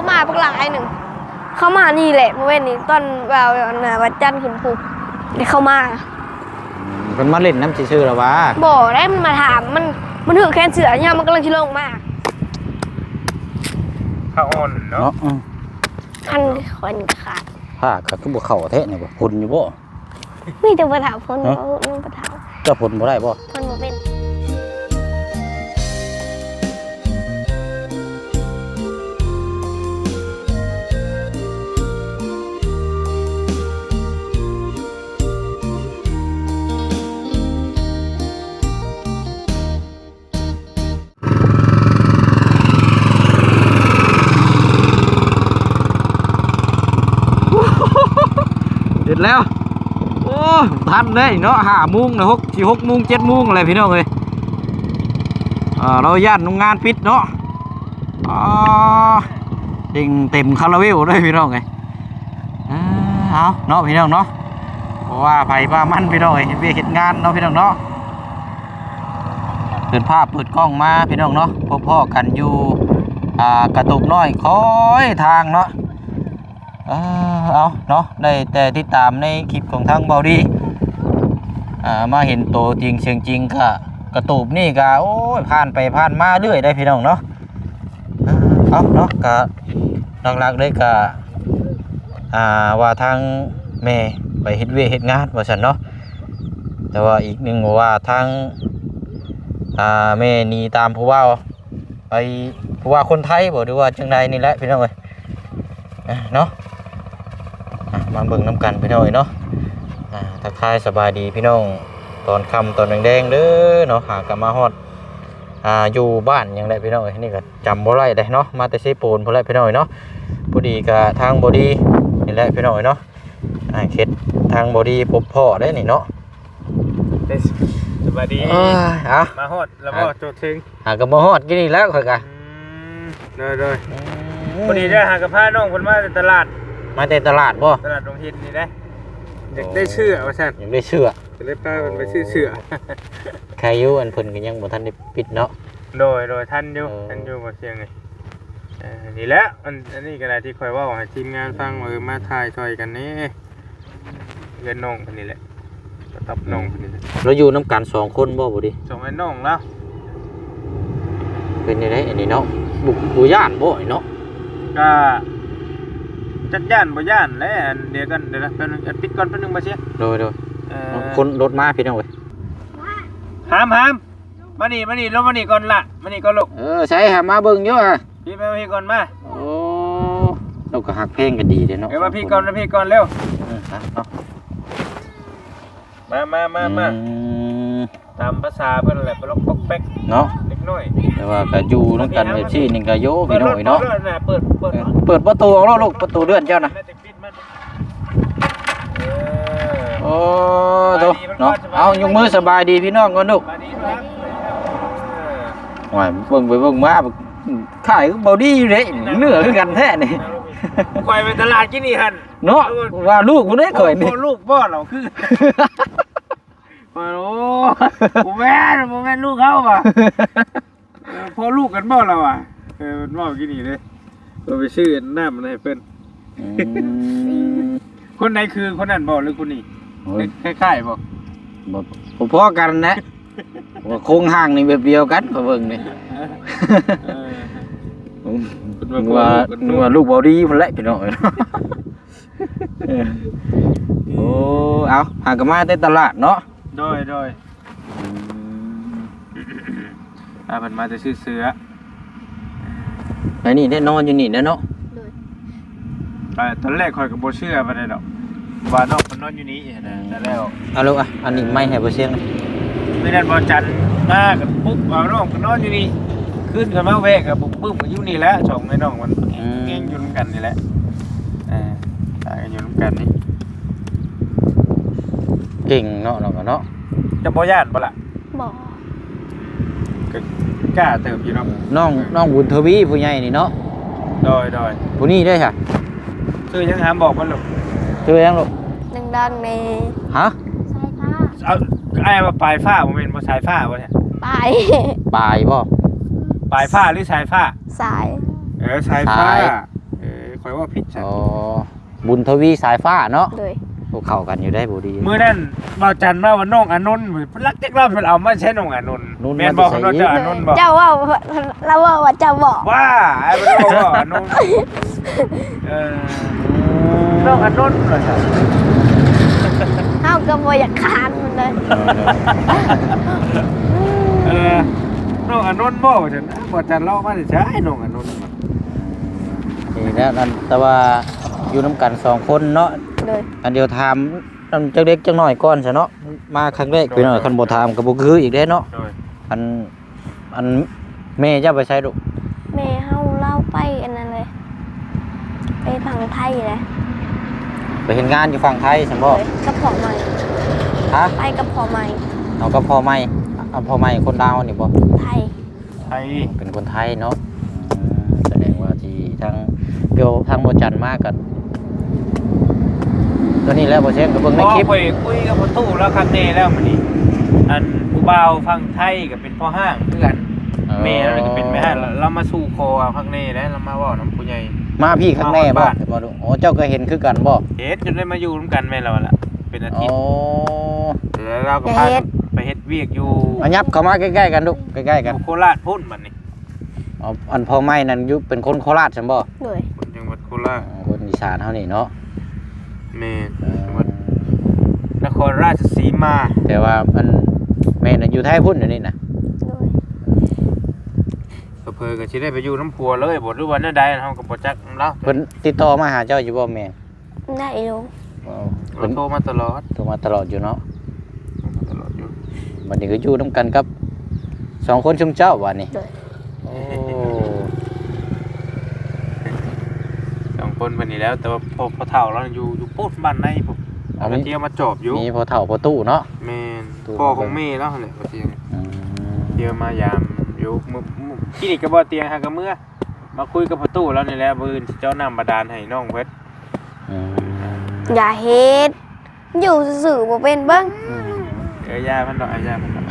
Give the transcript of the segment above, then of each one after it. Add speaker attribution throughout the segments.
Speaker 1: มาพวกหลายหนึ่งเขามานี่แหละเมื่อวันนี้ตอนแบบวัดจันทร์ขึ้นภูได้เข้ามา
Speaker 2: เป็นมาเล่นน้ำชื่อหรอวะ
Speaker 1: บอกได้มันมาถามมันถือแค่เสือเนี่ยมันกำลังชิลงมาก
Speaker 3: ข้าอ่อนเนาะ
Speaker 1: คันคนขาด
Speaker 2: ผ้าขาดทุบเข่าแท้เนี่ยบ่พ่นอยู่บ่
Speaker 1: มีแต่ประถามพ่นนุ่งประถาม
Speaker 2: จะพ่นบ่ได้บ่
Speaker 1: พ่นบ่เป็น
Speaker 2: เสร็จแล้วโอ้ทันเลยเนาะ5 โมงนะ6 โมง 7 โมงอะไรพี่น้องเลยเราย่านโรงงานปิดเนาะเต็มคาราเวลเลยพี่น้องเลยเอาเนาะพี่น้องเนาะเพราะว่าไผ่ป้ามันพี่น้องเลยเห็นงานเนาะพี่น้องเนาะเปิดภาพเปิดกล้องมาพี่น้องเนาะพ่อกันอยู่กระตุกน้อยคอยทางเนาะเอาเนาะได้แต่ติดตามในคลิปของทางเบาดีมาเห็นโตจริงเสียงจริงก็กระตูบนี่ก็โอ้ยผ่านไปผ่านมาเรื่อยได้พี่น้องเนาะเอาเนาะก็หลักๆเลยก็ว่าทางแม่ไปเฮ็ดเฮ็ดงานว่าซั่นเนาะแต่ว่าอีกหนึ่งว่าทางแม่นี่ตามผู้ว่าไปผู้ว่าคนไทยบ่หรือว่าจังใดนี่แหละพี่น้องเอ้ยเนาะมาเบิ่งน้ำกันพี่น้องเนาะทักทายสบายดีพี่น้องตอนค่ำตอนแดงๆเด้อเนาะหากลับมาฮอดอยู่บ้านยังได้พี่น้องนี่ก็จำบ่ได้ได้เนาะมาแต่เซโปนพอแล้วพี่น้องเนาะพอดีกับทางบอดี้นี่แหละพี่น้องเนาะเขตทางบอดี้พบพ่อได้นี่เนาะ
Speaker 3: สบายดีมาฮอดแล้วก็โจทย์ถึง
Speaker 2: กับมาฮอดกินนี่แล้วค่อยกะ
Speaker 3: เลยพอดีได้หากับผ้าน้องคนมาตลาด
Speaker 2: มาแต่ตลาดบ่
Speaker 3: ตลาดโรงหินนี่ได้อยากได้เชื่อว่าซั่น
Speaker 2: อยากได้เชื่อ
Speaker 3: จะได้ป้ามันไปซื้อเชื่อ
Speaker 2: ใครอยู่อันเพิ่นก็ยังบ่ทันได้ปิดเนาะ
Speaker 3: โดยท่านอยู่บ่เสียงไงนี่แหละอันนี้ก็ได้ที่คอยว่าให้ทีมงานฟังมาถ่ายช่วยกันนี่เงินน้องคนนี้แหละตับน้องคนนี้
Speaker 2: เราอยู่น้ำกัน2 คนบ่ดิ
Speaker 3: 2ไอ้น้องแล้ว
Speaker 2: เป็นยังไงอันนี้เนาะบุย่านบ่เนาะ
Speaker 3: ก็จักย่านบ่ย่านแล้วเดี๋ยวกันเดี๋ยวนะเป็นปิดก่อนเป็นนึงมาเสีย
Speaker 2: โดยคนรถมาพี่น้องเว้ย
Speaker 3: หามมานี่ลงมานี่ก่อนละมานี่ก่อนลูก
Speaker 2: ใช่หามาเบิ่งอยู่
Speaker 3: พี่มาพี่ก่อนมา
Speaker 2: โอ้เราก็หักเพลงกันดีเด้เนาะ
Speaker 3: มาพี่ก่อนเร็วมาตามภาษาเพิ่นแหละปลอกปอกแป๊ก
Speaker 2: เนาะ
Speaker 3: เล็กน้อย
Speaker 2: แต่ว่าก็อยู่นำกันแบบซี่นี่ก็โยพี่น้อยเนาะ
Speaker 3: เปิ
Speaker 2: ดประตูเอาลูกประตูเลื่อนเจ้าน่ะโอ้โตเนาะเอายกมือสบายดีพี่น้องก่อนลูกหวายเบิ่งไปเบิ่งมาขายเบาดีอยู่เด้เนื้อคือกันแท้นี่
Speaker 3: ข่อยไปตลาดกินนี่หั่น
Speaker 2: เนาะว่าลูกกูได้ข่อยนี่
Speaker 3: ลูกบ่เราคือโอ้บ่แม่นลูกเขาว่ะพอลูกกันบ่เราอ่ะมันบ่กินนี่เด้เราไปซื้อน้ำมันให้เพิ่นคนไหนคือคนนั้นบ่หรือคนนี้คล้ายๆ
Speaker 2: บ่พอกันนะว่าโครงห่างนี่แบบเดียวกันก็เบิ่งนี่ว่าลูกบ่ดีพุ่นแหละพี่น้องโอ้เอาหากมาแต่ตลาดเนาะ
Speaker 3: โดยเพิ่นมาจะซื้อเสื้อ
Speaker 2: ไปนี่ได้นอนอยู่นี่นะเนาะ
Speaker 3: ตอนแรกข่อยก็บ่เชื่อปานใดดอกว่าน้องเพิ่นนอนอยู่นี่นะแต่แล้ว
Speaker 2: เอาลูกอันนี้ไม่ให้บ่เสียง
Speaker 3: ไม่นั่นบ่จันมากันปุ๊บว่าน้องก็นอนอยู่นี่ขึ้นกันมาแวกก็ปุ๊บก็อยู่นี่แหละ2ไอ้น้องมันเก่งอยู่นำกันนี่แหละตายกันอยู่นำกันนี่
Speaker 2: เก่งเนาะเราก็เนาะ
Speaker 3: จะบ่ย่านบ่ล่ะ
Speaker 1: บ่
Speaker 3: กล้าเติบอยู่เนาะ
Speaker 2: น้องบุญทวีผู้ใหญ่นี่เนาะ
Speaker 3: โดย
Speaker 2: ผู้นี้ได้ค่ะ
Speaker 3: คือยังหามบอกมันลูก
Speaker 2: คือยังลูก
Speaker 1: ดังใน
Speaker 2: ฮะ
Speaker 1: สายฟ้า
Speaker 3: เอาไอ้มาปลายฟ้าบ่แม่นบ่สายฟ้าบ่เนี่ย
Speaker 1: ปลาย
Speaker 2: บ่
Speaker 3: ปลายฟ้าหรือสายฟ้า
Speaker 1: สาย
Speaker 3: สายฟ้าข่อยว่าผิดใช่
Speaker 2: อ๋อบุญทวีสายฟ้าเนาะ
Speaker 1: เลย
Speaker 2: พวกเข้ากันอยู่ได้บ่ดี
Speaker 3: มื้อนั้นบ่าวจันมาว่าน้องอานนท์เพิ่นรักจักรอบเพิ่นเอามาใช้น้องอานนท์
Speaker 2: นุ่น
Speaker 3: แม่นบ่
Speaker 2: มัน
Speaker 3: เพิ่น
Speaker 2: จะ
Speaker 3: ว่า
Speaker 2: ใส่
Speaker 3: เจ้าอานนท์บ่
Speaker 1: เจ้าว่าเราว่าเจ้าบอก
Speaker 3: ว่าไอ้เพิ่นบอกว่าอานนท์น้องอานนท์ว่าซั่น
Speaker 1: เฮาก็บ่อยากคานมันเลย
Speaker 3: น้องอานนท์บ่ว่าซั่นบ่จันเล่ามาได้ใช้น้องอานนท์
Speaker 2: นี่แล้วนั่นแต่ว่าอยู่น้ำกัน2คนเนาะ
Speaker 1: เลย
Speaker 2: อันเดียวถามจักเล็กจักน้อยก่อนซะเนาะมาครั้งแรกพี่น้อยคันบ่ถามก็บ่คืออีกเด้เนาะ
Speaker 3: โดย
Speaker 2: อันแม่เจ้าไปใช้ลูก
Speaker 1: แม่เฮาเล่าไปอันนั้นเลยไปทางไทยเลย
Speaker 2: ไปเห็นงานอยู่ฝั่งไทยซั่นบ่
Speaker 1: กับพ่อใหม่
Speaker 2: ฮะ
Speaker 1: ไปกับพ่อใหม่
Speaker 2: เอากับพ่อใหม่เอาพ่อใหม่คนลาวนี่บ่
Speaker 1: ไทย
Speaker 3: ไทย
Speaker 2: เป็นคนไทยเนาะแสดงว่าที่ทางเกี่ยวทางบ่จันมากันตอนนี้แล้วบ่เช็คก็เบิ่งในคลิป
Speaker 3: ไปคุยกับพ่อตู้แล้วครั้งนี้แล้วมื้อนี้อันผู้บ่าวฟังไทยก็เป็นพ่อห้างคือกันแม่แล้วก็เป็นแม่ห้างเรามาสู่คอครั้งนี้แล้วเรามาเว้านำผู้ใหญ่
Speaker 2: มาพี่ข้างแน่บ่
Speaker 3: มาบ้าน
Speaker 2: บ่ดูโอ้เจ้าก็เห็นคือกันบ่
Speaker 3: เฮ็ดจนได้มาอยู่ร่วมกันแม่นแล้วล่ะเป็นอา
Speaker 2: โอ้
Speaker 3: ทิตย์แล้วเราก็พาไปเฮ็ดเวียกอยู่
Speaker 2: อันยับเข้ามาใกล้ๆกันลูกใกล้ๆกัน
Speaker 3: โคราชพุ่นบัดนี้
Speaker 2: อ๋ออันพ่อใหม่นั่นอยู่เป็นคนโคราชซั่นบ่
Speaker 1: เลย
Speaker 3: คนจังหวัดโคราช
Speaker 2: อ๋อคนอีสานเฮานี่เนาะ
Speaker 3: แม่นจังหวัดนครราชสีมา
Speaker 2: แต่ว่ามันแม่น่ะอยู่ไทยพุ่นอยู่นี่น่ะ
Speaker 1: เลย
Speaker 3: เพิ่นก็สิได้ไปอยู่น้ำพัวเลยบ่รู้ว่าแนวใดเฮาก็บ่จักเนาะ
Speaker 2: เพิ่นติดต่อมาหาเจ้าอยู่บ่แม่
Speaker 1: ได้อยู่
Speaker 2: อ๋อ
Speaker 3: เรา
Speaker 2: เพิ่น
Speaker 3: โทรมาตลอด
Speaker 2: โทรมาตลอดอยู่เนาะ
Speaker 3: โทรมาตลอดอยู่
Speaker 2: บัดนี้ก็อยู่นํกันกับ2คนชุมเจ้าว่านี่
Speaker 1: เลย
Speaker 2: โอ้
Speaker 3: สองคนบัดนี้แล้วแต่ว่าพ่อเฒ่าเราอยู่ปุ๊บบ้านในผมเอาไปเที่ยวมาจอบอยู่
Speaker 2: มีพ่อเฒ่าพ่อตู้เนาะ
Speaker 3: แม่น
Speaker 2: ตู้
Speaker 3: พ่อของแม่แล้วนั่นแหละว่าเที่ยว
Speaker 2: อืม
Speaker 3: เที่ยวมายามอยู่มื้อที่นี่ก็บ่เตียงหากับเมื่อมาคุยกับพ่อตู้แล้วนี่แหละมื้ออื่นสิเจ้าน้ำบาดาลให้น้องเพิ่น
Speaker 2: อืม
Speaker 1: อย่าเฮ็ดอยู่ซื่อๆบ่เป็นเบิ่ง
Speaker 3: ยาเพิ่นดอกยาเพิ่นดอก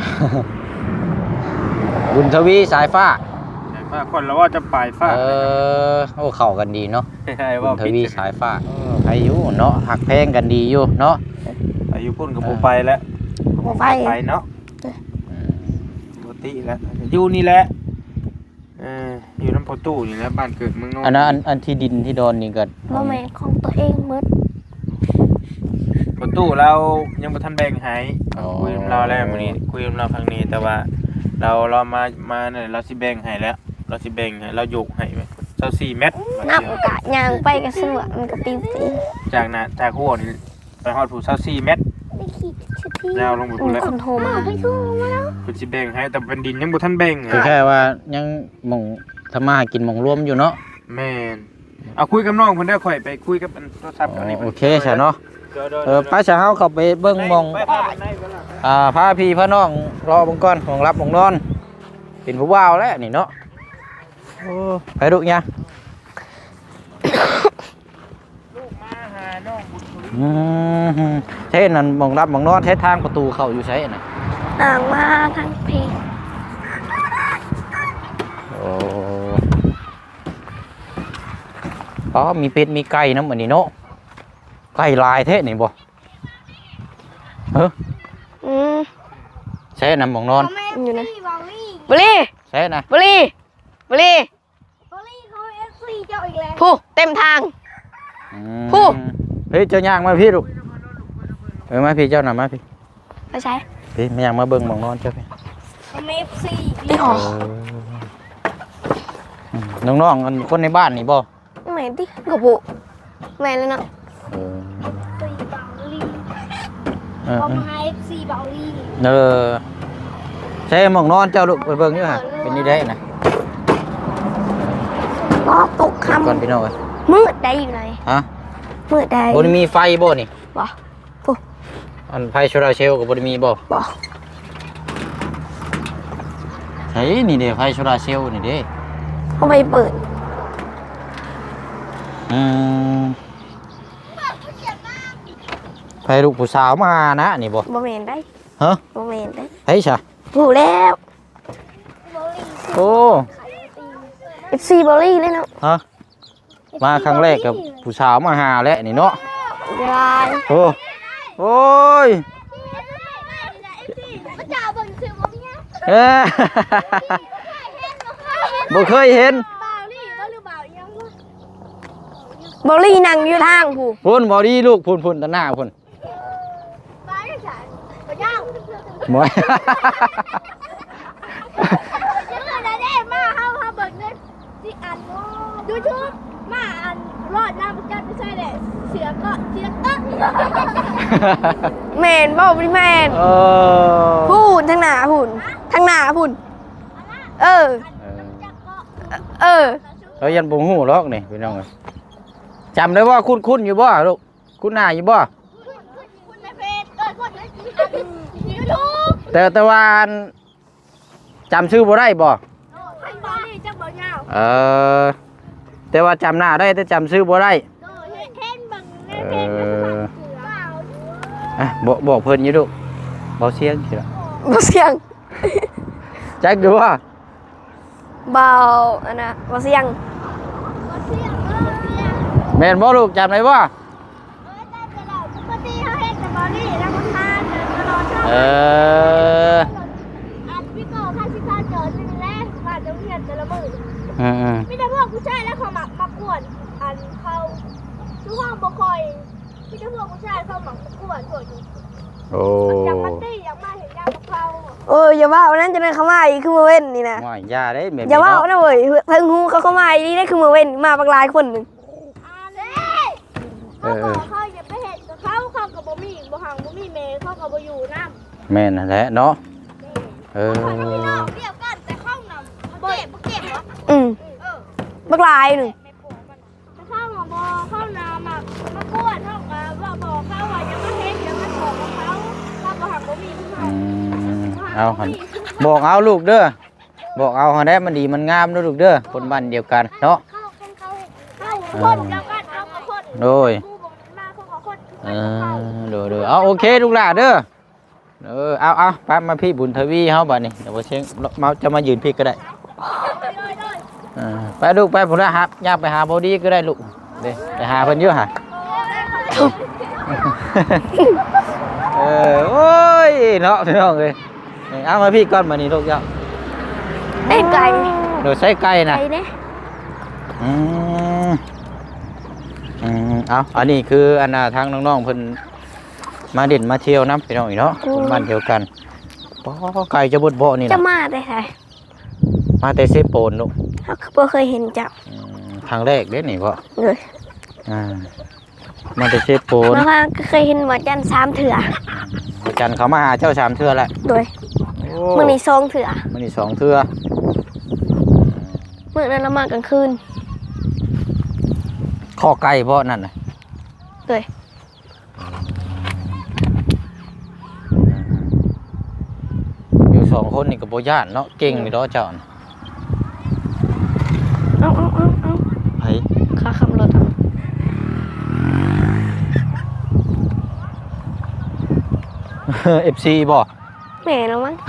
Speaker 2: บุญทวีสายฟ้า
Speaker 3: แต่ว่าคนเราว่าจะปลายฟ้า
Speaker 2: โอ้เข้ากันดีเนาะ
Speaker 3: ใช่
Speaker 2: บุ
Speaker 3: ว่า
Speaker 2: ญทวีสายฟ้าใครอยู่เนาะหักแพงกันดีอยู่เนาะ
Speaker 3: อายุพุ่นกับบ่ไปแล้ว
Speaker 1: บ่ไป
Speaker 3: ไปเนาะ
Speaker 2: อืม
Speaker 3: ปกติแล้วอยู่นี่แหละอยู่น้ำพอตู้นี่แหละบ้านเกิดเมืองนอก
Speaker 2: อันนั้นอันที่ดินที่ดอนนี่ก็
Speaker 1: บ่แม่นของตัวเองหมด
Speaker 3: พอตู้เรายังบ่ทันแบ่งให้คุยกับเราแล้วมื้อนี้คุยกับเราครั้งนี้แต่ว่าเรามาเนี่ยเราสิแบ่งให้แล้วเราสิแบ่งให้เรายกให้ไว้24เม็ด
Speaker 1: น้ำกะยางไปก็สวมันก็ปิ้ว
Speaker 3: จากน่ะจากหัวนี่ไปฮอดผู้24เม็ด
Speaker 1: ๆไม่คิดสิพี่
Speaker 3: ยาวลงไปพุ่นแล้ว
Speaker 1: คนโทรมาไปโทรมาแล้ว
Speaker 3: เพิ่นสิแบ่งให้แต่เป็นดินยังบ่ทันแบ่ง
Speaker 2: คือแค่ว่ายังหมองทำมาหากินหมองรวมอยู่เนาะ
Speaker 3: แม่นเอาคุยกับน้องเพิ่นได้ค่อยไปคุยกับอันโทรศัพท์กันนี่
Speaker 2: โอเคใช่เนาะ
Speaker 3: เดี๋ยว
Speaker 2: ป้าจะเฮาเข้าไปเบิ่งหมอง
Speaker 3: ไปพาไปไหนไปล่ะ
Speaker 2: พาพี่พาน้องรอเบิ่งก่อนของรับของนอน เป็นผู้บ่าวแล้วนี่เนาะโอ้ไปดูยัง
Speaker 3: ลูกมาหาน้องบุญทวี
Speaker 2: ใช่นั่นหมองรับหมองนอนใช้ทางประตูเข้าอยู่ใช่น่ะ
Speaker 1: อ่างมาทางเพลง
Speaker 2: โอ้อ๋อมีเป็ดมีไก่น้ำอันนี้เนาะไก่ลายเท่นี่บ่เฮ้อ
Speaker 1: อืม
Speaker 2: ใช่น่ะหมองนอน
Speaker 1: อยู่นะบุรี
Speaker 2: ใช่น่ะ
Speaker 1: บุรีบุรี
Speaker 4: เขาเอฟซีเจ้าอีกแล้ว
Speaker 1: ผู้เต็มทาง
Speaker 2: อืม
Speaker 1: ผู้
Speaker 2: เฮ้ยเจ้าย่างมาพี่ลูกมาพี่เจ้าหน่ะมาพี่
Speaker 1: ไปใช้
Speaker 2: พี่ไม่อยากมาเบิ่งหมองนอนเจ้าพี่
Speaker 4: เขาเอฟซี
Speaker 1: ไม่ออก
Speaker 2: น้องๆกันคนในบ้านนี่บ่
Speaker 1: แม่ดิกระปุแม่เลยเนาะ
Speaker 2: เออ
Speaker 4: ซีเบาลี
Speaker 2: เออ
Speaker 4: เขามาเอฟซีเบาลี
Speaker 2: เออใช่หมองนอนเจ้าลูกไปเบิ่งอยู่ฮะเป็นนี่ได้นะ
Speaker 1: ก็ตกค
Speaker 2: ก่อนพี่น้องเอ้ย
Speaker 1: ำมืดได้อยู่ไหน
Speaker 2: ฮะ
Speaker 1: มืดได้
Speaker 2: บ่ได้มีไฟบ่นี่
Speaker 1: บ่
Speaker 2: อันไฟโซลาร์เซลล์ก็บ่ได้มีบ่
Speaker 1: บ่
Speaker 2: ใช่นี่เด้ไฟโซลาร์เซลล์นี่เด้
Speaker 1: เขาไปเปิด
Speaker 2: อืมไฟลูกผู้สาวมานะนี่บ่
Speaker 1: บ่แม่นได้
Speaker 2: ฮะ
Speaker 1: บ่แม่นได้
Speaker 2: เฮ้ยซะ
Speaker 1: ผู้แล้ว
Speaker 2: โอ้
Speaker 1: FC บอลลี่เลยเนาะ
Speaker 2: ฮะมาครั้งแรกกับผู้สาวมาหาแล้วนี่เนาะ
Speaker 1: ยาย
Speaker 2: โอ้โอ้ย
Speaker 4: พระเจ้าเบิ่งชื่อบ่เนี่ย
Speaker 2: เอ้อ บ่เคยเห็น
Speaker 4: บ่าวนี่บ่หรือบ่าวยังบ่
Speaker 1: บอลลี่นั่งอยู่ทางผู้
Speaker 2: พุ่นบ่ดีลูกพุ่นตาหน้าพุ่น
Speaker 4: บ่าวยังฉันบ่ยาว
Speaker 2: บ่
Speaker 4: ชื่อได้มาเฮาเบิ่งในสิอัน YouTube มาอันรอดน้ำประกันไม่ใช่แหละเสือก็เสือตั้ง
Speaker 1: แมนบ่พี่แมน
Speaker 2: เออ
Speaker 1: พูนทางหน้าพูนทางหน้าพูนเออ
Speaker 4: จักก็
Speaker 1: เออ
Speaker 2: เรายันบ่ฮู้หรอกนี่พี่น้องเอ้ยจำได้ว่าคุ้นอยู่บ่ลูกคุ้นหน้าอยู่บ่
Speaker 4: คุณในเฟซคุณในยูทูบ
Speaker 2: แต่ว่าอันจำชื่อบ่ได้บ่
Speaker 4: ให้บอลนี่จักบ่ยาว
Speaker 2: เออแต่ว่าจำหน้าได้แต่จำชื่อบ่ได้
Speaker 4: เห็นบังในเฟซแล้วก็เสือเปล่า
Speaker 2: อ่ะบอกเพิ่นอยู่ลูกบ่เสียงสิล่ะ
Speaker 1: บ่เสียง
Speaker 2: จักดูว่า
Speaker 1: เบาอันน่ะบ่เสียง
Speaker 4: เสือเสือ
Speaker 2: แม่นบ่ลูกจำได้บ่
Speaker 4: แต่เราปกติเขาเห็นแต่บอลนี่แล้วมันมาเดินตลอดช่อง
Speaker 2: เออ
Speaker 4: อันพี่โก้ข้าชิคาเจอหนึ่งแรกผ่านโรงเรียนแต่ละมือ
Speaker 2: อืม
Speaker 4: มีแต่พวกผู้ชายแล้วเขามากวนอันเขาทุกห้องบ่คอยมีแต่พวกผู้ชายเขามากวนพวกนี้
Speaker 2: โอ้
Speaker 4: อยากมาตีอยากมาเห็นยางกับเขา
Speaker 1: เอออย่าว่าวันนั้นจะได้เข้ามาอีกคือมาเว้นนี่นะ
Speaker 2: ว่าอย่าได้แบบนี้
Speaker 1: อย่าว่า
Speaker 2: เนาะ
Speaker 1: นะเว้ยถึงฮูเขาเข้ามาอีนี่ได้คือมาเว้นมาบักหลายคนหนึง
Speaker 4: อันนี้เขาบอกเขาอย่าไปเห็นกับเขาเขากับบ่มีบ่ห่างบ่มีเมย์เขากับบ่อยู่น้ำ
Speaker 2: แม่นนั่นแหละเนาะเออ
Speaker 4: เขาพี่น้องเดียวกันแต่เข้านำบ่เก็บเหรอ
Speaker 1: อืม
Speaker 4: เออ
Speaker 1: บักหลายหนึง
Speaker 4: แต่เข้ามาบ่เข้านำมากวนเขากับว่าบอกเขาว่าอย่ามาเห็นอย่ามาถอดกับเขาเขาบ่ห่างบ่มีผู้ชา
Speaker 2: อื
Speaker 4: ย
Speaker 2: มเอาหั่นบอกเอาลูกเด้อบอกเอาหั่นแหละมันดีมันงามเด้อลูกเด้อคนบ้านเดียวกันเนาะ
Speaker 4: เข้าคนเดียวกันเอากับคน
Speaker 2: โดย
Speaker 4: ผู้บ่มาเขากับคน
Speaker 2: เออดูเอาโอเคลูกหลานเด้อเอาไปมาพี่บุญทวีเฮาบัดนี้เดี๋ยวบ่เชียงมาจะมายืนพี่ก็ได้ไปลูกไปพุ่นละครับย่าไปหาบ่ดีก็ได้ลูกเด้ไปหาเพิ่นอยู่หะโอ้ยเนาะพี่น้องเอ้ยเอามาพี่ก่อนมานี่ลูกเจ้า
Speaker 1: ได้ไก่
Speaker 2: โดยใช้ไก่นะ
Speaker 1: ไก่เด้
Speaker 2: อืมเอาอันนี้คืออันน่ะทางน้องๆเพิ่นมาเด่นมาเที่ยวน้ำพี่น้องอีกเนาะคนบ้านเดียวกันป้อไก่จะบดบ่นี่
Speaker 1: จะ
Speaker 2: นะ
Speaker 1: มาได้ไส
Speaker 2: มาแต่เซโปนลูก
Speaker 1: เฮาคือบ่เคยเห็นเจ้า
Speaker 2: ครั้งแรกเด้นี่พ่อ
Speaker 1: เลย
Speaker 2: มาแต่เซโปน
Speaker 1: มาว่าก็เคยเห็นหมอจัน3เถื่อ
Speaker 2: อาจารย์เขามาหาเจ้าสามเทื่อแล้ว
Speaker 1: โดย
Speaker 2: โอ้
Speaker 1: มื้อนี้2เถื่อ
Speaker 2: มื้อนี้สองเทื่อ
Speaker 1: มื้อนั้นเรามากลางคืน
Speaker 2: ข้อไก่พ่อนั่นน่ะ
Speaker 1: เลย
Speaker 2: อยู่สองคนนี่ก็บ่ย่านเนาะเก่งนี่เนาะเจ้าน่ะ
Speaker 1: เอา
Speaker 2: ไผ
Speaker 1: ค่าขับรถเอา
Speaker 2: FC บ่
Speaker 1: แม่แล้วมั้ง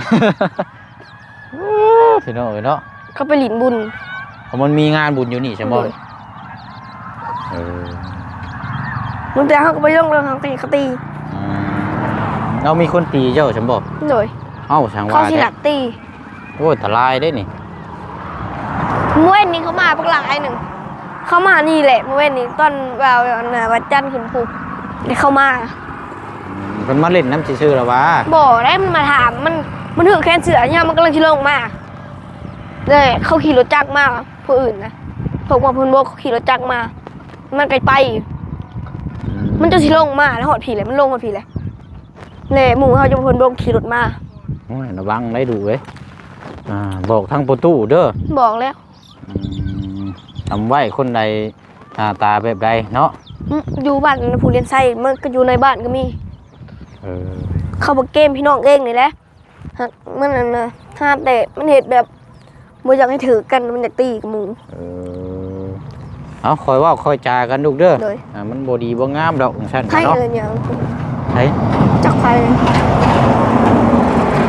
Speaker 2: พี่น้องเอ้ยเนาะ
Speaker 1: เขาไปหลินบุญ
Speaker 2: เพราะมันมีงานบุญอยู่นี่ใช่บ่
Speaker 1: เลย
Speaker 2: เออ
Speaker 1: มึงแต่เขาก็ไปลงเรื่องทางตีเขาตี
Speaker 2: เรามีคนตีเจ้าฉันบอก
Speaker 1: โดย
Speaker 2: เอ้าช่าง
Speaker 1: เขา
Speaker 2: ว่า
Speaker 1: สิหลักตี
Speaker 2: โอ้ยทลายได้นี่
Speaker 1: เมื่อวันนี้เขามาปักหลายหนึ่งเขามานี่แหละเมื่อวันนี้ตอนวัดจันทร์ขึ้นภูเดี๋ยวเขามา
Speaker 2: มันมาเล่นน้ำซื่อๆแล้ววะ
Speaker 1: บอกได้มันมาถามมันถือแค่เสือเนี่ยมันกำลังชิลงมาเลยเขาขี่รถจักรมาผู้อื่นนะพวกมาพูนโบกเขาขี่รถจักรมา มันไกลไป มันจะชิลงมาแล้วหอดผีเลยมันลงหอดผีเลยเลยหมู่เขาจะพูนโบกขี่รถมา
Speaker 2: โอ้ยระวังได้ดูเว้ยบอกทางประตูเด้อ
Speaker 1: บอกแล้ว
Speaker 2: ทำไว้คนใดหน้าตาแบบใดเนาะ
Speaker 1: อยู่บ้านผู้เรียนไส้มันก็อยู่ในบ้านก็มี
Speaker 2: เออ
Speaker 1: เขาบอกเกมพี่น้องเองนี่แหละฮะมันนั่นนะห้ามแต่มันเหตุแบบบ่อยากให้ถือกันมันอยากตีกับหมู
Speaker 2: เอาคอยว่าคอยจากันลูกเด้อ
Speaker 1: โดย
Speaker 2: มันบ่ดีบ่งามดอกของฉัน
Speaker 1: ใคร
Speaker 2: เนาะ
Speaker 1: อะไรเนี่ย
Speaker 2: ใช่
Speaker 1: จักใคร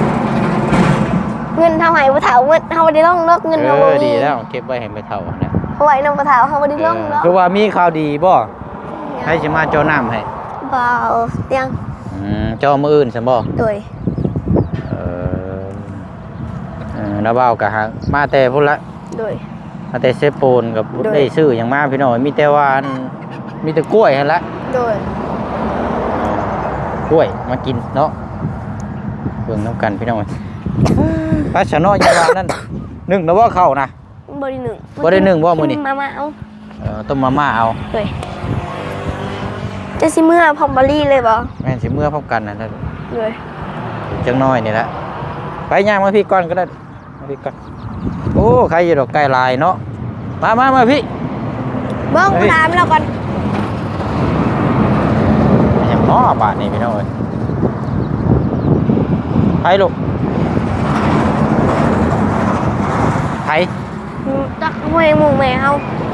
Speaker 1: เงินเท่าไหร่บ่เท่าเงินเท่าได้ต้องเลิกเงิน
Speaker 2: เอ
Speaker 1: เท่าบ่
Speaker 2: อ
Speaker 1: มี
Speaker 2: ดีแล้วเก็บไว้ให้ไม่เท่านะ
Speaker 1: เอาไว้น้ำกระถาเขาบ่ได้ลงเนาะ
Speaker 2: คือว่ามีข่าวดีบ่ให้สิมาเจ้าน้ำให้
Speaker 1: เบาเตียง
Speaker 2: เจ้ามื้ออื่นซั่นบ่
Speaker 1: โดย
Speaker 2: แล้วเว้าก็หามาแต่พุ่นละ
Speaker 1: โดย
Speaker 2: มาแต่เซโปนกับ
Speaker 1: โดย
Speaker 2: ได้ซื้อหยังมาพี่น้องมีแต่ว่าอันมีแต่กล้วยหั่นละ
Speaker 1: โดย
Speaker 2: กล้วยมากินเนาะเบิ่งน้ำกันพี่น้องปลาชะเนาะอยางว่านั่นนึ่งแล้วว่าเข้านะ
Speaker 1: บ่ได้หนึ่ง
Speaker 2: บ่ได้นึ่งบ่มื้อนี้
Speaker 1: มาเอา
Speaker 2: ต้มมาม่าเอา
Speaker 1: โดยจะสิเมื่อพร้อมบอลลี่เลยบ่
Speaker 2: แม่นสิเมื่อพร้อมกันนะนั่น
Speaker 1: โดย
Speaker 2: จังน้อยนี่แหละไปย่างมาพี่ก่อนก็ได้มาพี่ก่อนโอ้ใครอยู่ดอกไก่ลายเนาะมาพี่
Speaker 1: เบิ้งถามเราก่อน
Speaker 2: อย่างน้อบาทนี่พี่น้องเอ้ยไปลูกไป
Speaker 1: จักหวยหมู่แม่เฮา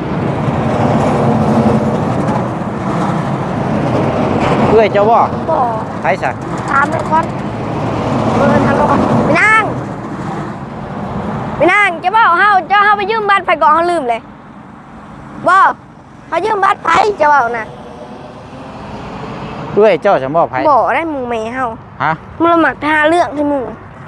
Speaker 2: เพื่อเจ้าบ่
Speaker 1: บ่
Speaker 2: ไปซะ
Speaker 1: ถามเราก่อนถามเราก่อนไปนั่งจะบ่เฮาไปยืมบัตรไผก่อนเฮาลืมเลยบ่เขายืมบัตรไผจะเว้าน่ะ
Speaker 2: เพื่อเจ้าจะบ่ไป
Speaker 1: บ่ได้หมู่แม่เฮา
Speaker 2: ฮะ
Speaker 1: มันละหมักทาเรื่องที่หมู่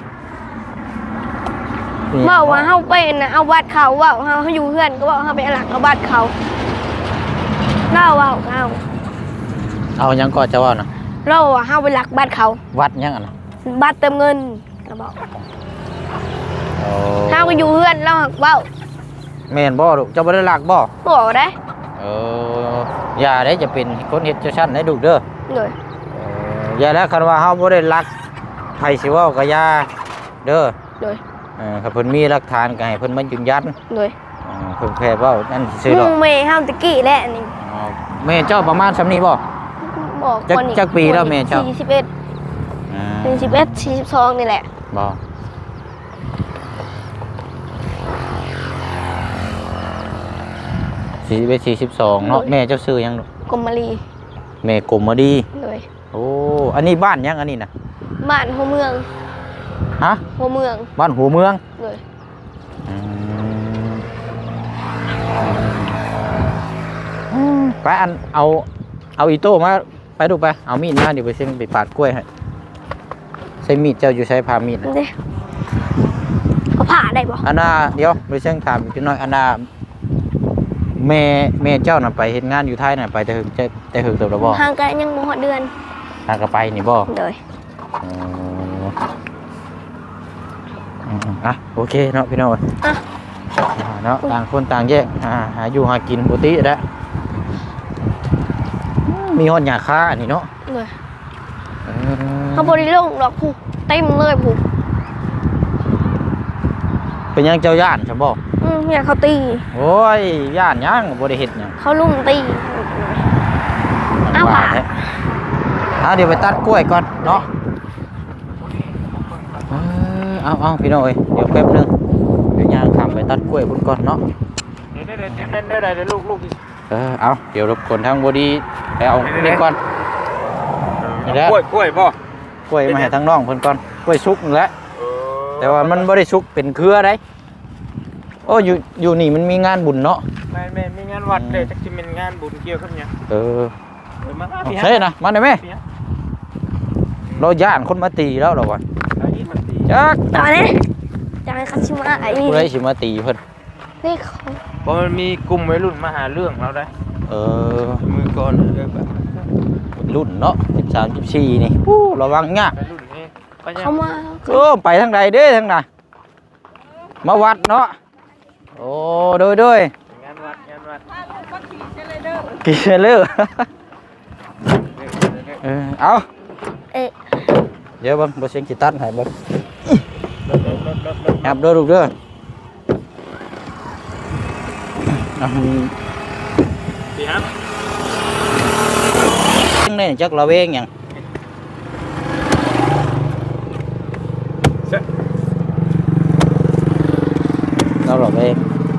Speaker 1: เว้าว่าเฮาเป็นน่ะเอาบัตรเขาเว้าเฮาอยู่เฮือนก็เว้าเฮาไปเอาหลักเอาบัตรเขาเล่าเว้าเฮา
Speaker 2: เอายังก่อนจะว่านะ
Speaker 1: เราอะเฮาไปหลักบัตรเขา
Speaker 2: วัดยังอ่ะนะ
Speaker 1: บัตรเติมเงินเราบอก
Speaker 2: โอ้
Speaker 1: เฮาก็อยู่เฮือนเราหักเว้า
Speaker 2: แม่นบ่ลูกเจ้าบ่ได้ลักบ่
Speaker 1: บ่ได้
Speaker 2: อย่าได้จะเป็นคนเฮ็ดเจ้าชั้นได้ลูกเด้อ
Speaker 1: เลย
Speaker 2: อย่าแล้วคันว่าเฮาบ่ได้ลักไผสิเว้าก็อย่าเด้อ
Speaker 1: เลย
Speaker 2: ถ้าเพิ่นมีหลักฐานก็ให้เพิ่นมายืนยัน
Speaker 1: เลย
Speaker 2: เพิ่นแค่เว้านั่นซื่อ
Speaker 1: ห
Speaker 2: ดอก
Speaker 1: มู่แม่เฮาตะกี้แหละนี่
Speaker 2: แม่เจ้าประมาณซำนี้บ่
Speaker 1: บอก
Speaker 2: จักปีแล้วแม่เจ้า
Speaker 1: 41 41 42นี่แหละ
Speaker 2: บ่41 42เนาะแม่เจ้าชื่อหยังลูก
Speaker 1: กรมมารี
Speaker 2: แม่กลมมาดี
Speaker 1: เลย
Speaker 2: โอ้อันนี้บ้านยังอันนี้น่ะ
Speaker 1: บ้านหัวเมือง
Speaker 2: ฮะ
Speaker 1: หัวเมือง
Speaker 2: บ้านหัวเมือง
Speaker 1: เลย
Speaker 2: ไปอันเอาอีโต้มาไปดูไปเอามีดมาเดี๋ยวไปเส้นไปปาดกล้วยให้ใช้มีดเจ้าอยู่ใช้พามีด
Speaker 1: นี่เด้เอาผ่าได้บ่
Speaker 2: อันน่ะเดี๋ยวไปเส้นถามอีกน้อยอันน่ะแม่เจ้าน่ะไปเฮ็ดงานอยู่ไทยน่ะไปแต่หึงตัวละบ่
Speaker 1: ห่างกันยังบ่ฮอดเดือน
Speaker 2: ทางก็ไปนี่บ่
Speaker 1: เลย
Speaker 2: อ่ะโอเคเนาะพี่น้อง
Speaker 1: อ่ะ
Speaker 2: เนาะต่างคนต่างแยกหาอยู่หากินปกติแล้วมีฮอดหญ้าคาอันนี้เนาะ
Speaker 1: เลยเขาบ่ได้ลงดอกผู้เต็มเลยผู้
Speaker 2: เป็นยังเจ้าย่านใช่บ่
Speaker 1: อยากเขาตี
Speaker 2: โอ้ยย่านยังบ่ได้เฮ็ดหยัง
Speaker 1: เขาลุ่มตี เอาว่ะ
Speaker 2: แท้เดี๋ยวไปตัดกล้วยก่อนเนาะเอาพี่น้องเอ้ยเดี๋ยวแป๊บนึงเดี๋ยวย่างทำไปตัดกล้วยพุ่นก่อนเนาะ
Speaker 3: ได้ลูก
Speaker 2: เอาเดี๋ยวรบกวนทางบดีไปเอานี่ก่อนนี่แหละ
Speaker 3: กล้วยบ่
Speaker 2: กล้วยมาให้ทางน้องเพิ่นก่อนกล้วยสุกนั่นแหละแต่ว่ามันบ่ได้สุกเป็นเครือได้โอ้อยู่นี่มันมีงานบุญเนาะ
Speaker 3: ไม่มีงานวัดเลยจักสิเป็นงานบุญเกี่ยวกับหยัง มา
Speaker 2: ใช่นะมาได้ไหมเราย่านคนมาตีแล้วเหรอวะจัก
Speaker 1: ตอนนี้จะให้คัชิมาไอ้
Speaker 2: ผู้ใดสิมาตีเพิ่น
Speaker 1: นี่เขา
Speaker 3: เพราะมันมีกลุ่มวัยรุ่นมาหาเรื่องเราได้ มือก่อนแบบ
Speaker 2: รุ่นเนาะ13 14นี่ระวังยาก
Speaker 3: วัยรุ่นนี่ก็ยัง
Speaker 1: เขามา
Speaker 2: ไปทางใดเด้ทางใดมาวัดเนาะโอ้โดย
Speaker 3: งานวัด
Speaker 2: กินเลือเอา เดี๋ยวเบิ่งบ่เสียงกีตันให้เบิ่งยับเด้อลูกเด้อ
Speaker 3: ดีครับ
Speaker 2: นี่จักระเวงหยังเราระเวง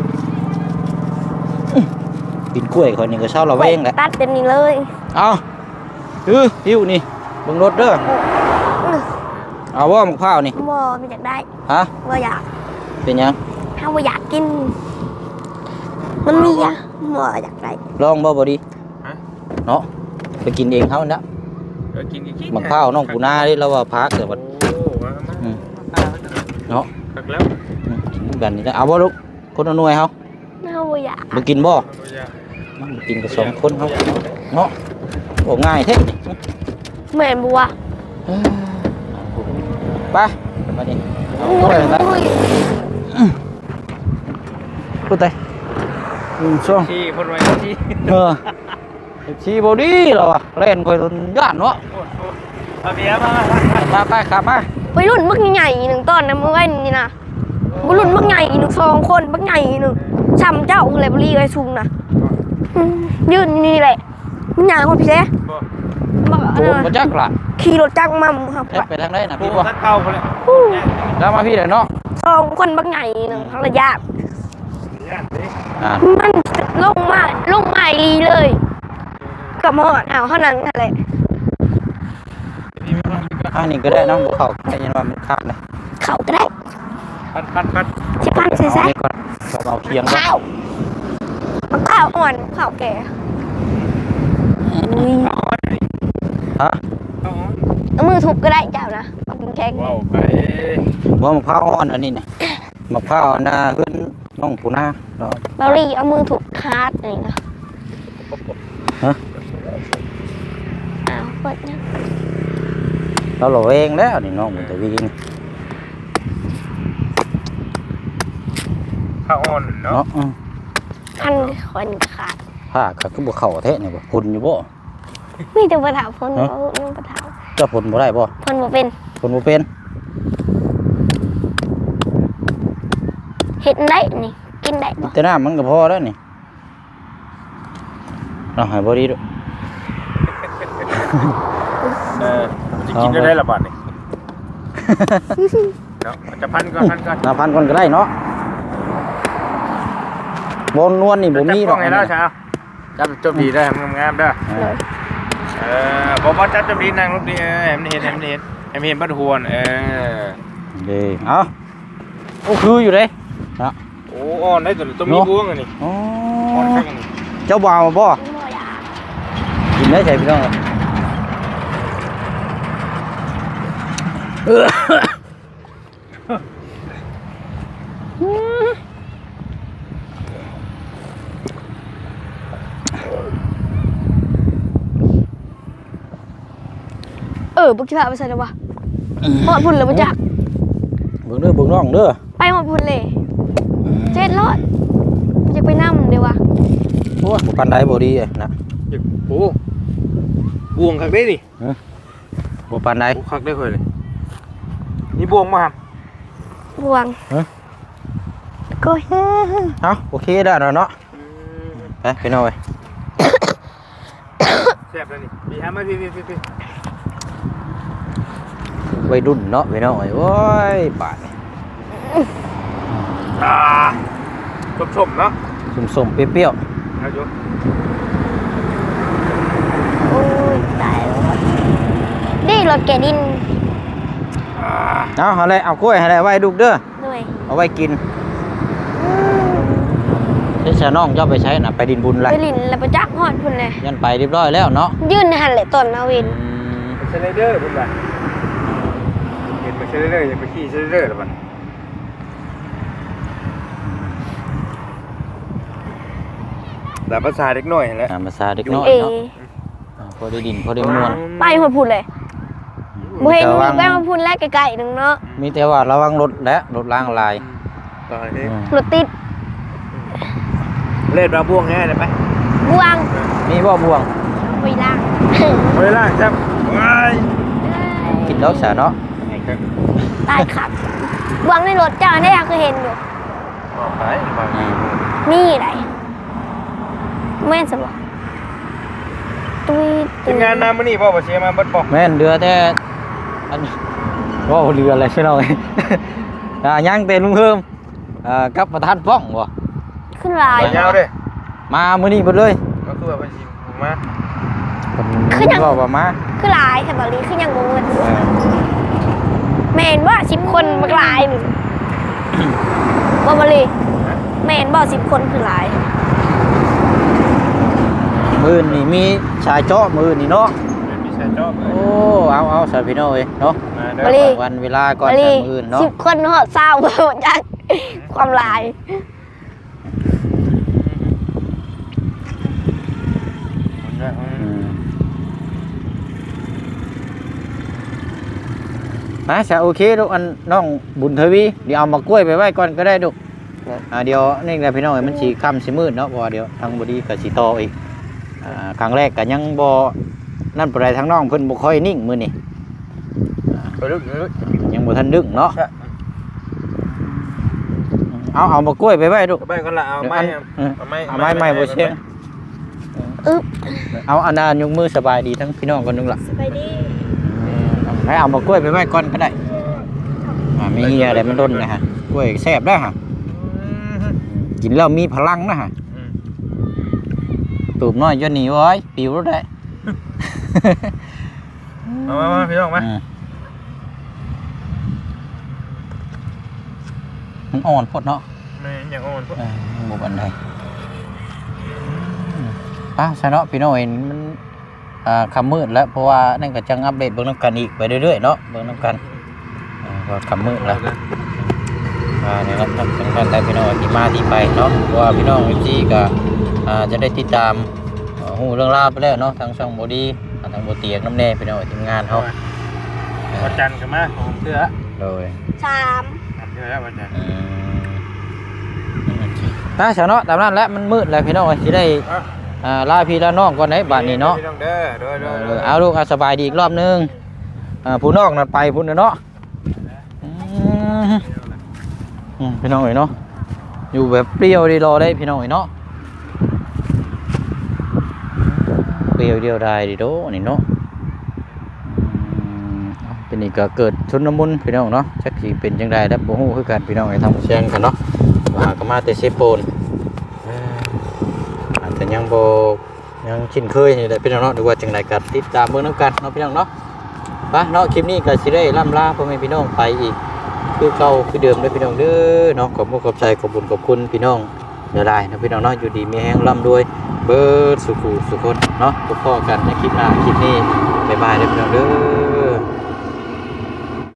Speaker 2: กินกล้วยคนนี้ก็เช้าระเวงแหละ
Speaker 1: ตัดเป็นนี่เลย
Speaker 2: เอาหิวนี่เบิ่งรถเด้อเอาว่ามะพร้าวนี่
Speaker 1: บ่ไม่อยากได้
Speaker 2: ฮะ
Speaker 1: บ่อยาก
Speaker 2: เป็นหยัง
Speaker 1: ถ้าบ่อยากกินมันมีอะหมออยากได้
Speaker 2: ลองบ่ดี
Speaker 3: ฮะ
Speaker 2: เนาะไปกินเองเฮานะ
Speaker 3: กินกิน
Speaker 2: มะพร้าวน้องปูนาดิเราว่าพักเดี๋ยวบัด
Speaker 3: โอ้มา
Speaker 2: เนาะ
Speaker 3: ตักแล้ว
Speaker 2: กินกันนี่นะเอาบ่ลูกคนละหน่วยเฮา
Speaker 1: น่าอยาก
Speaker 2: บ่กินบ่มันกินกับสองคนเฮาเนาะโอ้ง่ายแท้นี่
Speaker 1: แม่นบัว
Speaker 2: ไปมาดิเอาถ้วยนะพูดไปช่วง
Speaker 3: ที่คนไว้ที่
Speaker 2: ชีบอดี้เหรอวะเล่นคอยย่านเนาะ
Speaker 3: เอาเบียร์มา
Speaker 2: มาไปขับมา
Speaker 1: ไปรุ่นบักใหญ่หนึ่งต้นนะมือไว้นี่นะบุรุ่นบักใหญ่หนึ่ง2 คนบักใหญ่หนึ่งช้ำเจ้าอะไรบุรีไอ้ชุงนะยืนนี่แหละมันใหญ่กว่าพี่เซ่บอก
Speaker 2: โดนมาจักละ
Speaker 1: ขี่รถจักรมาครับ
Speaker 2: ไปทางไหนนะ
Speaker 3: พี่
Speaker 2: พี่
Speaker 3: บ่
Speaker 2: บ่
Speaker 3: ทักเก่าคนเลย
Speaker 2: แล้วมาพี่เดี๋ยวเนาะ
Speaker 1: 2 คนบักใหญ่หนึ่งระยะ
Speaker 2: อ่า
Speaker 1: มันลงมาลีเลยกับหมอดเอาเท่านั้นอะไร
Speaker 2: อันนี้ก็ได้น้องบุเขาแต่ยันว่ามันขาดเลย
Speaker 1: เขาก็ได้
Speaker 3: ปัด
Speaker 1: ชิพันใส่
Speaker 2: เอานี่ก่อนเอาเคียงก่อน
Speaker 1: ข้าวอ่อนข้าวแก่อุ้ย
Speaker 2: ฮะ
Speaker 1: เอามือทุบก็ได้เจ้านะเอากินแข็ง
Speaker 3: ว้าวไป
Speaker 2: ว่ามะพร้าวอ่อนอันนี้เนี่ยมะพร้าวนาเพื่อนน้องปูนาเนาะ
Speaker 1: เบาลี่เอามือทุบคาดนี่นะ
Speaker 2: ฮะ
Speaker 1: อ้าวเปิดนะ
Speaker 2: เราหล่อเองแล้วนี่น้องมันแต่วิ่ง
Speaker 3: ข้าวอ่อนเนาะ
Speaker 2: เนาะ
Speaker 1: พันคนขาด
Speaker 2: ผ้าขาดก็บ่เข่าแท้เนี่ยบ่พุ่นอยู่บ่
Speaker 1: มีแต่ปะถาวพนเอาปะถาว
Speaker 2: เจะพุ่นบ่ได้บ่
Speaker 1: พนบ่เป็น
Speaker 2: พุ่นบ่เป็น
Speaker 1: เห็ดได้นี่กินได้บ่
Speaker 2: แต่น้ำมันก็พอแล้วนี่เอาให้บ่ดีด้วย
Speaker 3: จะกินได้ละบาทนี่เนาะจะพันก่อน
Speaker 2: น้ำพันก่อนก็ได้เนาะบนนวลนี่บ่มีหรอก
Speaker 3: ไงแล้วเช้าจับจบดีได้งามๆเด้อ
Speaker 1: เลย
Speaker 3: บ่จับจบดีนางลูกดีเห็นเห็นบัดหวน
Speaker 2: ดีเอาโอ้คืออยู่เด้นะ
Speaker 3: โอ้อ่อนได้ตัวมีบวงอันนี้
Speaker 2: อ๋อ
Speaker 3: อ่อนข้างนี้
Speaker 2: เจ้าบ่าวบ่
Speaker 1: บ่อยาก
Speaker 2: กินได้ใช่พี่น้อง
Speaker 1: บุกที่พาไปใส่แล้ววะหมดพุ่นเลยบ่จัก
Speaker 2: เบิ่งเด้อเบิ่งน้องเด้อ
Speaker 1: ไปหมดพุ่นเลย700อยากไปนั่เดี๋ยววะ
Speaker 2: โอ้บ่ปานใดบ่ดีนะ
Speaker 3: โอ้บวงคักได้นี่
Speaker 2: บ่ปานใด
Speaker 3: โอ้คักได้เลยนี่บวงมาครับ
Speaker 1: บวงก็
Speaker 2: เอาโอเคได้แล้วเนาะไปพี่น้องเอ้ย
Speaker 3: แซ่บแล้วนี่มีฮะมาพี่
Speaker 2: วัยรุ่นเนาะพี่น้องเอ้ยโอ้ยบาดนี่
Speaker 3: ชมเนาะ
Speaker 2: ส้มๆเปรี้ยว
Speaker 3: เอาอยู่
Speaker 1: โอ้ยตายแล้วนี่รถแกดิน
Speaker 2: ๆเอาอะไรเอากล้วยให้ได้ไว้ลูกเด้อ
Speaker 1: ด้วย
Speaker 2: เอาไว้กินเจ้าน้องเจ้าไปใช้น่ะไปดินบุญไร
Speaker 1: ไปลินแล้วไปจักหอดพุ่นเลย
Speaker 2: ยันไปเรียบร้อยแล้วเนาะ
Speaker 1: ยื่นในหันเลยตอนนาวิน
Speaker 3: เซเลเดอร์พุ่นบ่เห็นไปเซเลเดอร์อย่าไปขี่เซเลเดอร์แล้วมันแต่ภาษาเด็กน้อยแหละ
Speaker 2: ภาษาเด็กน้อย
Speaker 1: เอ
Speaker 2: เนาะพอได้ดินพอได้มวน
Speaker 1: ไปหอดพุ่นเลยบ่เห็นมีไปหอดพุ่นแรกไกลๆหนึ่งเนาะ
Speaker 2: มีแต่ว่าระวังรถและรถล้างลาย
Speaker 3: ตอนนี้
Speaker 1: รถติด
Speaker 3: เล่นมาบ่วงแง่ได้ไหม
Speaker 1: บวง
Speaker 2: มีบ่บ่วง
Speaker 1: ไปล่าง
Speaker 3: เวลาจับว้าย
Speaker 2: กินดอกสาเนาะ
Speaker 1: ตายขับบวงในรถเจ้าได้ยังเคยเห็นอยู่
Speaker 3: บอกไป
Speaker 1: นี่ไหนแม่นสบตุ้ย
Speaker 3: ทีมงานน้ำมันนี่พ่อบ่เชียร์มาเบิดบอก
Speaker 2: แม่นเรือแต่อันว่าเรืออะไรใช่ไหม ยังเต็มลุงเพิ่มกับประธานป้องบ่
Speaker 1: ขึ้นลาย
Speaker 3: ยาวเด้
Speaker 2: มามื้อนี้เบิดเลย
Speaker 3: ก็คือว่าไปชิมมา
Speaker 2: บอกว่ามา
Speaker 1: ขึ้นลายแต่บาลีขึ้นยังงงเลยแม่นว่า10 คนบักลายหนึ่งบ่บาลีแม่นบ่10 คนคือลาย
Speaker 3: เ
Speaker 2: มื้อนี่มีชายเจาะมื้อนี่เนาะ
Speaker 3: มีชายจอบเลย
Speaker 2: โอ้เอาสาพี่น้องเอ้ยเนาะ
Speaker 3: มาเด้
Speaker 1: มา
Speaker 3: อ
Speaker 1: ดิ
Speaker 2: วันเวลาก่อน
Speaker 1: มา
Speaker 2: จะ
Speaker 1: ดิ
Speaker 2: มื้อเนาะ
Speaker 1: 10 คนเหาะเศร้าจักความหลาย
Speaker 2: นะจะโอเคลูกอันน้องบุญทวีเดี๋ยวเอามากล้วยไปไว้ก่อนก็ได้ลูกเดี๋ยวนี่แหละพี่น้องมันสีค่ำสีมืดเนาะบ่เดี๋ยวทางบดีกับสีโตอีกครั้งแรกก็ยังบ่นั่นปานใดทางน้องเพิ่นบ่ค่อยนิ่งมื้อนี้
Speaker 3: ไปลึก
Speaker 2: ยังบ่ทันดึงเนาะเอามากล้วยไปไว้ลูก
Speaker 3: ไปกันละเอาไม้
Speaker 2: เอาไม้บ่เชียง
Speaker 1: อึ๊บ
Speaker 2: เอาอันนั้นยกมือสบายดีทั้งพี่น้องกันนึงล่ะ
Speaker 4: สบายดี
Speaker 2: ให้เอามากล้วยไปไว้ก่อนก็ได้มีเหี้ยอะไรมันด้นนะฮะกล้วยแซ่บได้ฮะกินแล้วมีพลังนะฮะตูบน้อยจนหนีไว้ปิวรถได้
Speaker 3: มาพี่น้องมา
Speaker 2: มันอ่อนพดเนาะ
Speaker 3: ไม่อย่างอ่อนพวก
Speaker 2: บุบอันใดใช่เนาะพี่น้อยมันคำมืดแล้วเพราะว่านั่นก็จังอัปเดตเบิ่งน้ำกันอีกไปเรื่อยๆเนาะเบิ่งน้ำกันก็คำมืดแล้วนี่ครับจังกันแต่พี่น้อยที่มาที่ไปเนาะเพราะว่าพี่น้องเอฟซีก็จะได้ติดตามหูเรื่องราวไปแล้วเนาะทางช่องบอดี้ทางบเตียงน้ำแน่พี่น้อยทีมงานเขา
Speaker 3: วันจันทร์กันมาผมเสื้อ
Speaker 2: โดย
Speaker 4: 3
Speaker 3: เสื้อแล้ววันจันทร์
Speaker 2: เช้าเนาะตามนั้นแล้วมันมืดแล้วพี่น้องที่ได้ลาพี่ลาน้องก่อนไหนบ้านนี้เนาะ
Speaker 3: พี่น้องเด้อโดย
Speaker 2: เอาลูกสบายดีอีกรอบนึงผู้นอกนั่นไปพุ่นเนาะพี่น้องเอ๋ยเนาะอยู่แบบเปรี้ยวดีรอได้พี่น้องเอ๋ยเนาะเปรี้ยวเดียวได้ดีโดนี่เนาะเป็นนี่ก็เกิดชุนน้ำมุนพี่น้องเนาะชักสีเป็นจังไดแล้วบ่ฮู้คือกันพี่น้องเอ๋ยทำเสียงกันเนาะว่าก็มาแต่เซโปนอาจจะยังบ่ยังชินเคยนี่แหละพี่น้องเนาะหรือว่าจังไดก็ติดตามเบิ่งนำกันเนาะพี่น้องเนาะไปเนาะคลิปนี้ก็สิได้ล่ำลาพ่อแม่พี่น้องไปอีกคือเก่าคือเดิมเด้อพี่น้องเด้อเนาะขอบคุณขอบใจขอบบุญขอบคุณพี่น้องเด้อหลายนะพี่น้องเนาะอยู่ดีมีแฮงร่ำรวยเบิดสุขุสุขคนเนาะพบกันในคลิปหน้าคลิปนี้บ๊ายบายเด้อพี่น้องเด้อ